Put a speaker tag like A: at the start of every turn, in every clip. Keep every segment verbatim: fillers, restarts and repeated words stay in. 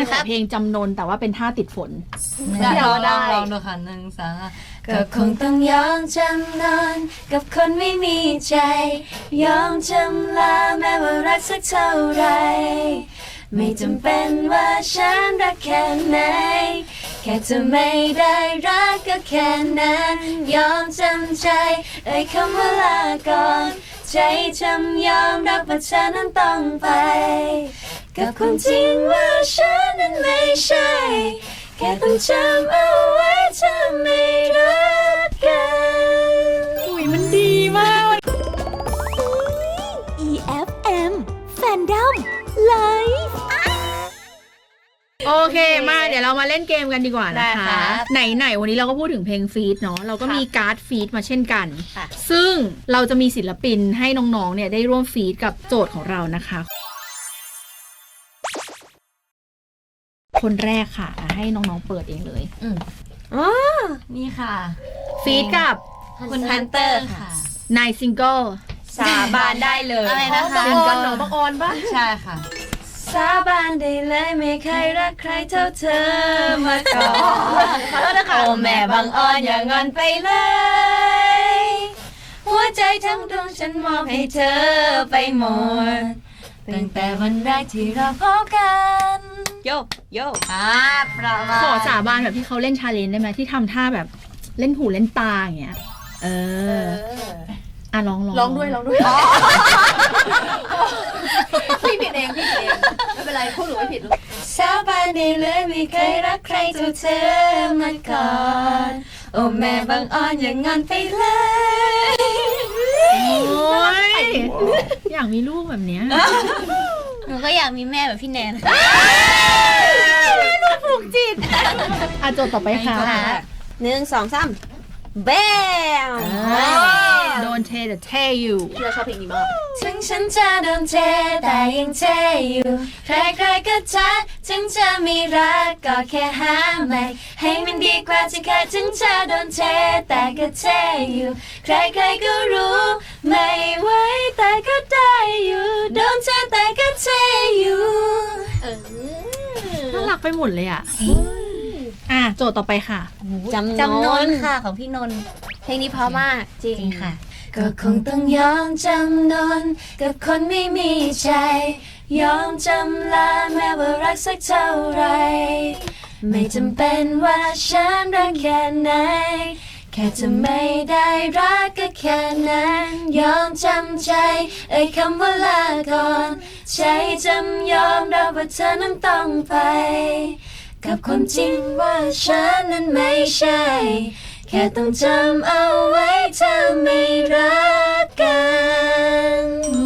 A: นขอเพลงจำนนแต่ว่าเป็นท่าติดฝน
B: เดี๋ยวได้
C: ลองดูค่ะหนึ่งสอง
B: ก็คงต้องยอมจำนนกับคนไม่มีใจยอมจำลาแม้ว่ารักสักเท่าไรไม่จำเป็นว่าฉันรักแค่ไหนแค่จะไม่ได้รักก็แค่นั้นยอมจำใจเอ่ยคำว่าลาก่อนใจจำยอมรับว่าเธอนั้นต้องไปกับความจริงว่าฉันนั้นไม่ใช่แค่ต้องจำเอาไว้เธอไม่รักกัน
A: อุ้ยมันดีมาก
D: อี เอฟ เอ็ม Fandom Live
A: โอเคมาเดี๋ยวเรามาเล่นเกมกันดีกว่านะคะไหนๆวันนี้เราก็พูดถึงเพลงฟีดเนาะเราก็มีการ์ดฟีดมาเช่นกันซึ่งเราจะมีศิลปินให้น้องๆเนี่ยได้ร่วมฟีดกับโจทย์ของเรานะคะคนแรกค่ะให้น้องๆเปิดเองเลยอืมอ๋อนี่ค่ะฟีดกับ
B: คุณฮันเตอร์ค่ะ
A: นายซิงเกิล
B: สาบานได้เลย
A: อะไรนะคะ
B: ซิงเกิลหนอบังออนปะ
C: ใช่ค่ะ
B: สาบานได้เลยไม่เคยรักใครเท่าเธอมาก่อนขอโทษนะคะโอ้แม่บังออนอย่างงอนไปเลยหัวใจทั้งดวงฉันมอบให้เธอไปหมดตั้งแต่วันแรกที่เราพบกันโยโยอ่าประมาณ
A: ขอสาบานแบบที่เขาเล่นชาเลนจ์ได้ไหมที่ทำท่าแบบเล่นหูเล่นตาอย่างเงี้ยเอออ่ะร้องร้อง
B: ร้องด้วยร้องด้วยพี่ผิดเองพี่ผิดเองไม่เป็นไรพูดหนูไม่ผิดสาบานได้เลยไม่เคยรักใครเท่าเธอมาก่อนโอ้แม่บังอ่อนอย่างงอนไปเลย
A: โอ้ยอยากมีลูกแบบเนี้ย
B: หนูก็อยากมีแม่แบบพี่แนน
A: ลูกผูกจิตอ่ะโจทย์ต่อไปค่ะ
B: หนึ่งสองสามแบม
A: โดนเทแต่เทอยู่
B: พี่เราชอบเพลงนี้มากถึงฉันจะโดนเทแต่ยังเทอยู่ใครๆก็ทักถึงจะมีรักก็แค่หาใหม่ให้มันดีกว่าที่เคยถึงจะโดนเทแต่ก็เทอยู่ใครๆก็รู้ไม่ไหวแต่ก็ได้อยู่โดนเทแต่ก็เทอยู่
A: น่ารักไปหมดเลยอ่ะอ่ะโจทย์ต่อไปค่ะ
B: จำจำนนค่ะของพี่นนเพลงนี้เพราะมากจริงค่ะก็คงต้องยอมจำนนกับคนไม่มีใจยอมจำลาแม้ว่ารักสักเท่าไรไม่จำเป็นว่าฉันรักแค่ไหนแค่จะไม่ได้รักก็แค่นั้นยอมจำใจเอ่ยคำว่าลาก่อนใจจำยอมรับว่าเธอนั้นต้องไปกับความจริงว่าฉันนั้นไม่ใช่แค่ต้องจำเอาไว้เธอไม่รักกัน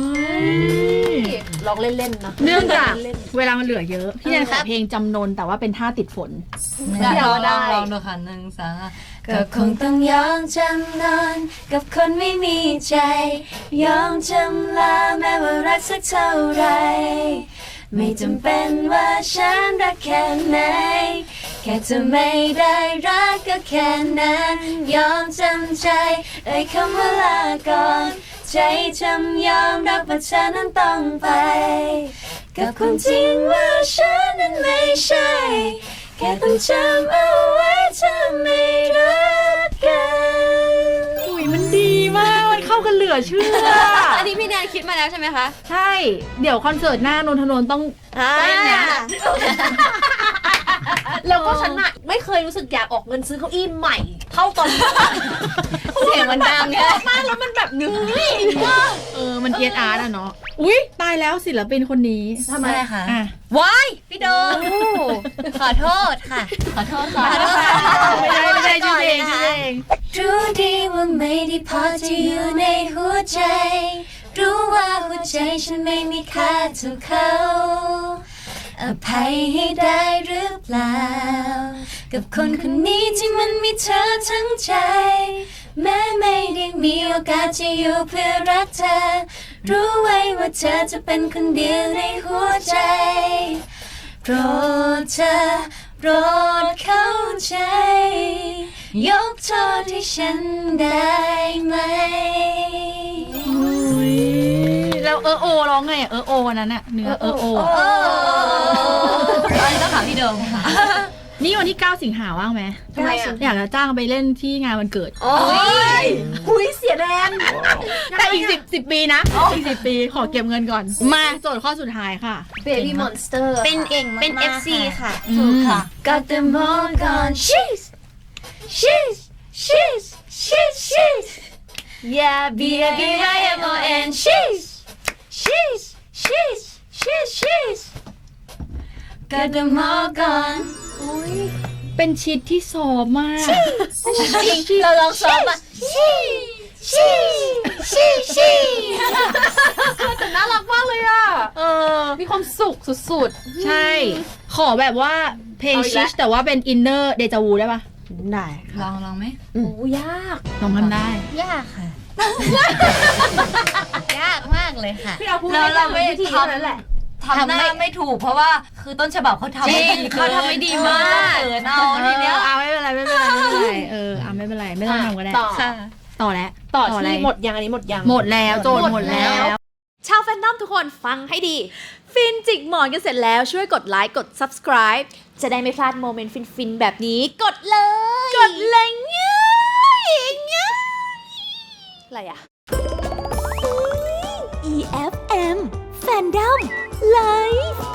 B: ลองเล่นๆนะ
A: เนื่องจากเวลามันเหลือเยอะพี่แนนขอเพลงจำนนแต่ว่าเป็นท่าติดฝน
C: เดี๋ยวได้ลองดูค่ะหนึ่งสอง
B: ก็คงต้องยอมจำนนกับคนไม่มีใจยอมจำลาแม้ว่ารักสักเท่าไรไม่จำเป็นว่าฉันรักแค่ไหนแค่จะไม่ได้รักก็แค่นั้นยอมจำใจเอ่ยคำว่าลาก่อนใจจำยอมรับว่าเธอนั้นต้องไปกับความจริงว่าฉันนั้นไม่ใช่แค่ต้องจำเอาไว้เธอไม่รักกัน
A: อุ้ยมันดีมากมันเข้ากันเหลือเชื่อ
B: อันนี้พี่แนนคิดมาแล้วใช่ไหมคะ
A: ใช่เดี๋ยวคอนเสิร์ตหน้านนทนนท์ต้องเต้นนะ
B: แล้วก็ฉันอะไม่เคยรู้สึกอยากออกเงินซื้อเก้าอี้ใหม่เท่าตอนเสียงมันดังเนี่ยมากแล้วมันแบบนื้อ
A: เออมันเอียดอาร์ตอะเนาะอุ้ยตายแล้วศิลปินคนนี้
B: ทำไมคะว้ายพี่โดขอโทษค่ะขอโทษค่ะ
A: ไม่ได้ไม่ได้ชื่อเพลงชื่อเพลง
B: รู้ดีว่าไม่ได้พอจะอยู่ในหัวใจรู้ว่าหัวใจฉันไม่มีค่าเท่าเขาอภัยให้ได้หรือเปล่ากับคนคนนี้ที่มันมีเธอทั้งใจแม้ไม่ได้มีโอกาสจะอยู่เพื่อรักเธอรู้ไว้ว่าเธอจะเป็นคนเดียวในหัวใจโปรดเธอโปรดเข้าใจยกโทษให้ฉันได้ไหม
A: แล้วเออโอร้องไงเออโอนั้นน่ะเนื้อเออโอ
B: อันนี้ต้องถามพี่
C: ดิมค่ะ
A: นี่วันที่เก้าสิงหาว่างไหม
B: ทำไมอ่ะ
A: อยากจะจ้างไปเล่นที่งานวันเกิด
B: โอ้ยหุยเสียแรง
A: แต่อีกสิบสิบปีนะอีกสิบปีขอเก็บเงินก่อน มาโจทย์ข้อสุดท้ายค่ะ
B: Baby Monster เป็นเก่งเป็น เอฟ ซี ค่ะ
C: ถูกค่ะ
B: Got them all gone she's she's she's she's she's Yeah B A B I M O N she's she's she's she's she's Got them all gone
A: เป็นชิดที่ซอฟมาก
B: จริงเราลองซ้อมอ่ะ she she she she
A: แต่น่ารักมากเลยอ่ะ เออ
C: มีความสุขสุด
A: ใช่ ขอแบบว่าเพลงชิชแต่ว่าเป็นอินเนอร์เดจาวูได้ปะ
B: ได้
C: ๆ ลองลองไหม
B: โอ้ยาก
A: ลองทำได้
B: ยากค่ะ ยากมากเลยค่ะ
A: พี่เอาพูด
C: แล้วเราไม่
B: วิธี
C: ท
B: เท่านั้นแหละ
C: ำทำหน้าไม่ถูกเพราะว่าคือต้นฉบับเขาทำ
B: จริง
C: ไม่ดี
B: เขาทำไม่ดีมาก
C: เขินเอาทีเนี้ย
A: เอาไม่เป็นไรไม่เป็นไรไม่เป็นไรเออเอาไม่เป็นไรไม่ต้องทำก็ได้
B: ต่อ
C: ค่ะ
A: ต่อแล้ว
B: ต่อ
A: อะไร
B: ที่หมดยังอันนี้หมดยัง
A: หมดแล้วโจทย์หมดแล้ว
D: ชาวแฟนดอมทุกคนฟังให้ดี ฟินจิกหมอนกันเสร็จแล้วช่วยกดไลค์กด subscribe จะได้ไม่พลาดโมเมนต์ฟินๆ แบบนี้ กดเลย กดเลยง่ายง่ายอะไรอะ อี เอฟ เอ็ม Fandom Live